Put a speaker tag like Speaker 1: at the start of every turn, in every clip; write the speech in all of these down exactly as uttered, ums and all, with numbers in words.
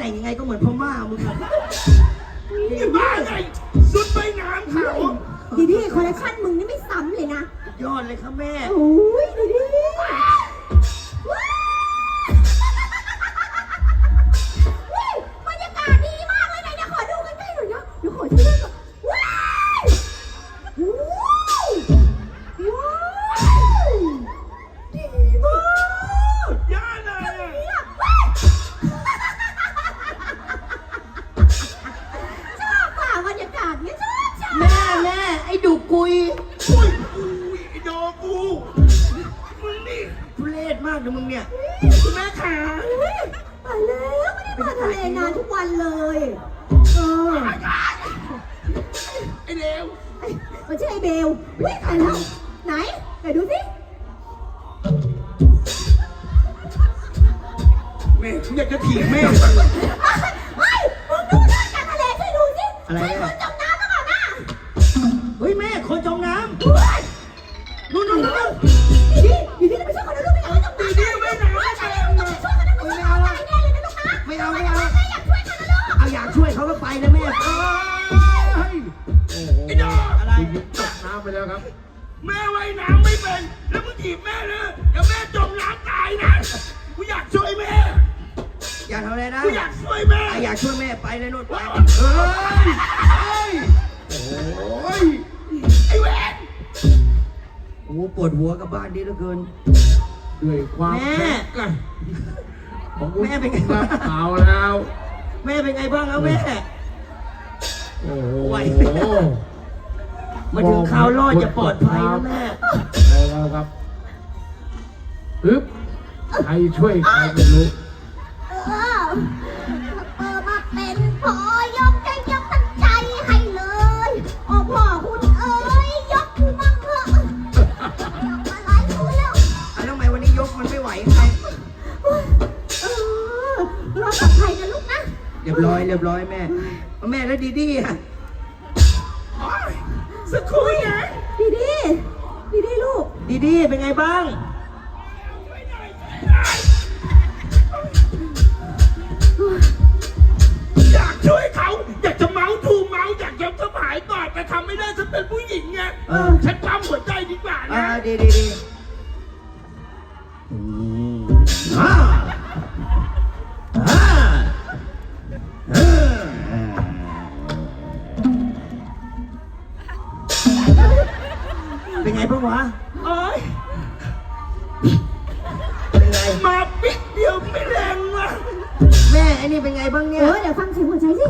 Speaker 1: แต่งยังไงก็เหมือนพม่ามึงอะ
Speaker 2: นี่บ้าไงสุดไปน้ำเขา
Speaker 3: ดีดีคอลเลคชันมึงนี่ไม่ซ้ำเลยนะ
Speaker 1: ยอดเลยครับแม่
Speaker 3: โอ้ยดีดีว้าวบรรยากาศดีมากเลยนะเดี๋ยวขอดูใกล้ๆหน่อยนะเดี๋ยวขอช่วยก่อนว้าวว้าวดีมาก
Speaker 2: ย่าเลย
Speaker 3: เนี่ยว้าวชอบป่ะบรรยากาศเนี่ยชอบชอบ
Speaker 1: แม่แม่ไอ้ดุกุย
Speaker 2: อุ้ยอุ้ยไอ้โดกูมึงนี่
Speaker 1: ทุเรศมากนะมึงเนี่ย
Speaker 2: คุณแม่ขา
Speaker 3: ไปแล้วไม่ได้มาทะเลนานทุกวันเลยเออ
Speaker 2: ไอ้เลว
Speaker 3: ไอ้มันชื่อไอ้เบลวิ่งไปแล้วไหนไหนดูสิ
Speaker 2: แม่อยากจะถีบแม่
Speaker 3: เฮ้ยมึงดูเรื่องการทะเลช่วยดูสิ
Speaker 1: อะไร
Speaker 3: ใช่คน
Speaker 1: อะ
Speaker 3: จมน้ำหรือเปล่านะ
Speaker 1: เฮ้ยแม่คนจมน้
Speaker 3: เฮ้ย
Speaker 1: ำนู่นนู่นนู่น
Speaker 3: ดีดีดีดีไปช่วยคนนะลูกไม่อยากให้จมน้ำ
Speaker 2: ดีดีไม่หนาว
Speaker 3: เฮ้ย
Speaker 2: ไม่
Speaker 3: ใช่
Speaker 2: แข็ง
Speaker 3: ต้องไปช่วยคนนะไม่ช่วยคนตายแน่เลยนะลูกนะ
Speaker 1: ไม่เอาไม่เอา
Speaker 3: ไม่อยากช่วยคนนะลูก
Speaker 1: เอาอยากช่วยเขาก็ไปนะแม่
Speaker 2: เอ้ย
Speaker 4: โอ้โห
Speaker 2: ไอ้โด
Speaker 1: อะไร
Speaker 4: ตกน้ำไปแล้วครับ
Speaker 2: แม่ว่ายน้ำไม่เป็นแล้วมึงถีบแม่เลยเดี๋ยวแม่จมน้ำตายนะกูอยากช่วยแม่
Speaker 1: อยากทำอะไรนะ
Speaker 2: กูอยากช่วยแม่
Speaker 1: อ่ะอยากช่วยแม่ไปเลยนู่นไป
Speaker 2: เฮ้ยเฮ้ย
Speaker 4: โอ้ย
Speaker 2: ไอ้แหวน
Speaker 1: โอ้โหปวดหัวกับบ้านนี้เหลือเกิน
Speaker 4: ด้วยความ
Speaker 1: แม่
Speaker 4: แข็งแกร่งของคุณ
Speaker 1: แม่เป็นไง
Speaker 4: ครับ
Speaker 1: บ้าง
Speaker 4: เอาแล้ว
Speaker 1: แม่เป็นไงบ้างแล้วแม่
Speaker 4: โอ้โห
Speaker 1: ไหวไหม มาถึงข่าวรอดจะปลอดภัยนะแม่
Speaker 4: เอาแล้วครับฮึบใครช่วยใครไม่รู้
Speaker 3: เออเออมาเป็นพอยกใจยกทั้งใจให้เลยโอ้พ่อคุณเอ้ยยกมั่งเถอะยกมาหลายคุณแล้ว
Speaker 1: อ่ะแล้วทำไมวันนี้ยกมันไม่ไหวไง
Speaker 3: เออรอดปลอดภัยนะลูกนะ
Speaker 1: เรียบร้อยเรียบร้อยแม่แม่แล้วดีดีอ่ะ
Speaker 2: โอ๊ยสักครู่นะ
Speaker 3: ดีดีดีดีลูก
Speaker 1: ดีดีเป็นไงบ้าง
Speaker 2: อยากช่วยเขาอยากจะเมาส์ทูเมาส์อยากจะสบายก่อนแต่ทำไม่ได้ฉันเป็นผู้หญิงไง
Speaker 1: เออ
Speaker 2: ฉันปั๊มหัวใจดีกว่า
Speaker 1: อ่า
Speaker 2: นะ
Speaker 1: ดีดีดีอืมอ่าอ่าอ่าเป็นไงบ้างวะ
Speaker 2: โอ๊ย
Speaker 1: เป็นไง
Speaker 2: มาปิดเดียวไม่แรงว่ะ
Speaker 1: แม่ไอ้นี่เป็นไงบ้าง
Speaker 3: เอ
Speaker 1: เนี่ย
Speaker 3: อเดี๋ยวฟังเสียงหัวใจสิ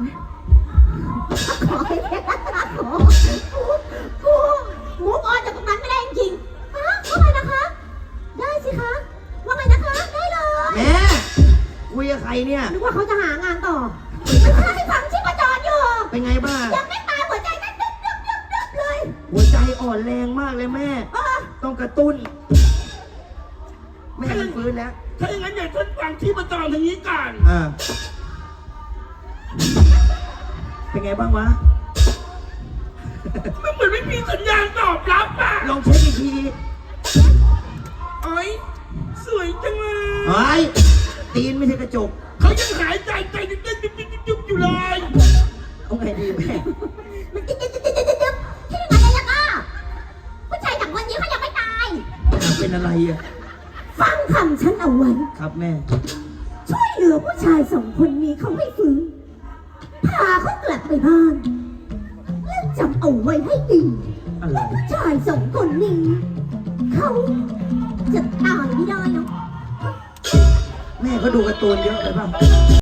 Speaker 3: ขอให้แค่ขอกูมูฟออนจากตรงนั้นไม่ได้จริงๆฮะว่าไงนะคะ ได้สิคะ ว่าไงนะคะ ได้เลย
Speaker 1: แม่คุยกับใครเนี่ย
Speaker 3: นึกว่าเขาจะหางานต่อไม่ใช่ฟังชีพจรอยู่
Speaker 1: เป็นไงบ้าง
Speaker 3: ยังไม่ตายหัวใจเต้นดึ๊บดึ๊บดึ๊บดึ๊บเลย
Speaker 1: หัวใจอ่อนแรงมากเลยแม่
Speaker 3: เออ
Speaker 1: ต้องกระตุ้น แม่มันฟื้นแล้ว
Speaker 2: ถ้าอย่างนั้นอย่าฉันฟังที่ประจองทางนี้ก่อน
Speaker 1: อ่า เป็นไงบ้างวะ
Speaker 2: มันเหมือนไม่มีสัญญาณตอบรับอ่ะ
Speaker 1: ลองเช็คอีกที
Speaker 2: โอ๊ยสวยจังเลย
Speaker 1: ไอ้ยตีนไม่ใช่กระจก
Speaker 2: เขายังหายใจใจเต้นเต้นยุบยุบยุบยุบอยู่เลย
Speaker 1: เอาไงดีแม่
Speaker 3: มันจิ๊บจิ๊บจิ๊บจิ๊บจิ๊บจิ๊บที่ไหนเลยล่ะก็ผู้ชายจากวันนี้เขายังไม่ตาย
Speaker 1: เป็นอะไรอ่ะ
Speaker 3: ฟังคำฉันเอาไว้
Speaker 1: ครับแม่
Speaker 3: ช่วยเหลือผู้ชายสองคนนี้เขาให้ฟื้นพาเขากลับไปบ้านแล้วจำเอาไว้ให้ดี
Speaker 1: อะไร
Speaker 3: ผู้ชายสองคนนี้เขาจะตายไม่ได้เนาะ
Speaker 1: แม่ก็ดูการ์ตูนเยอะไปป่ะ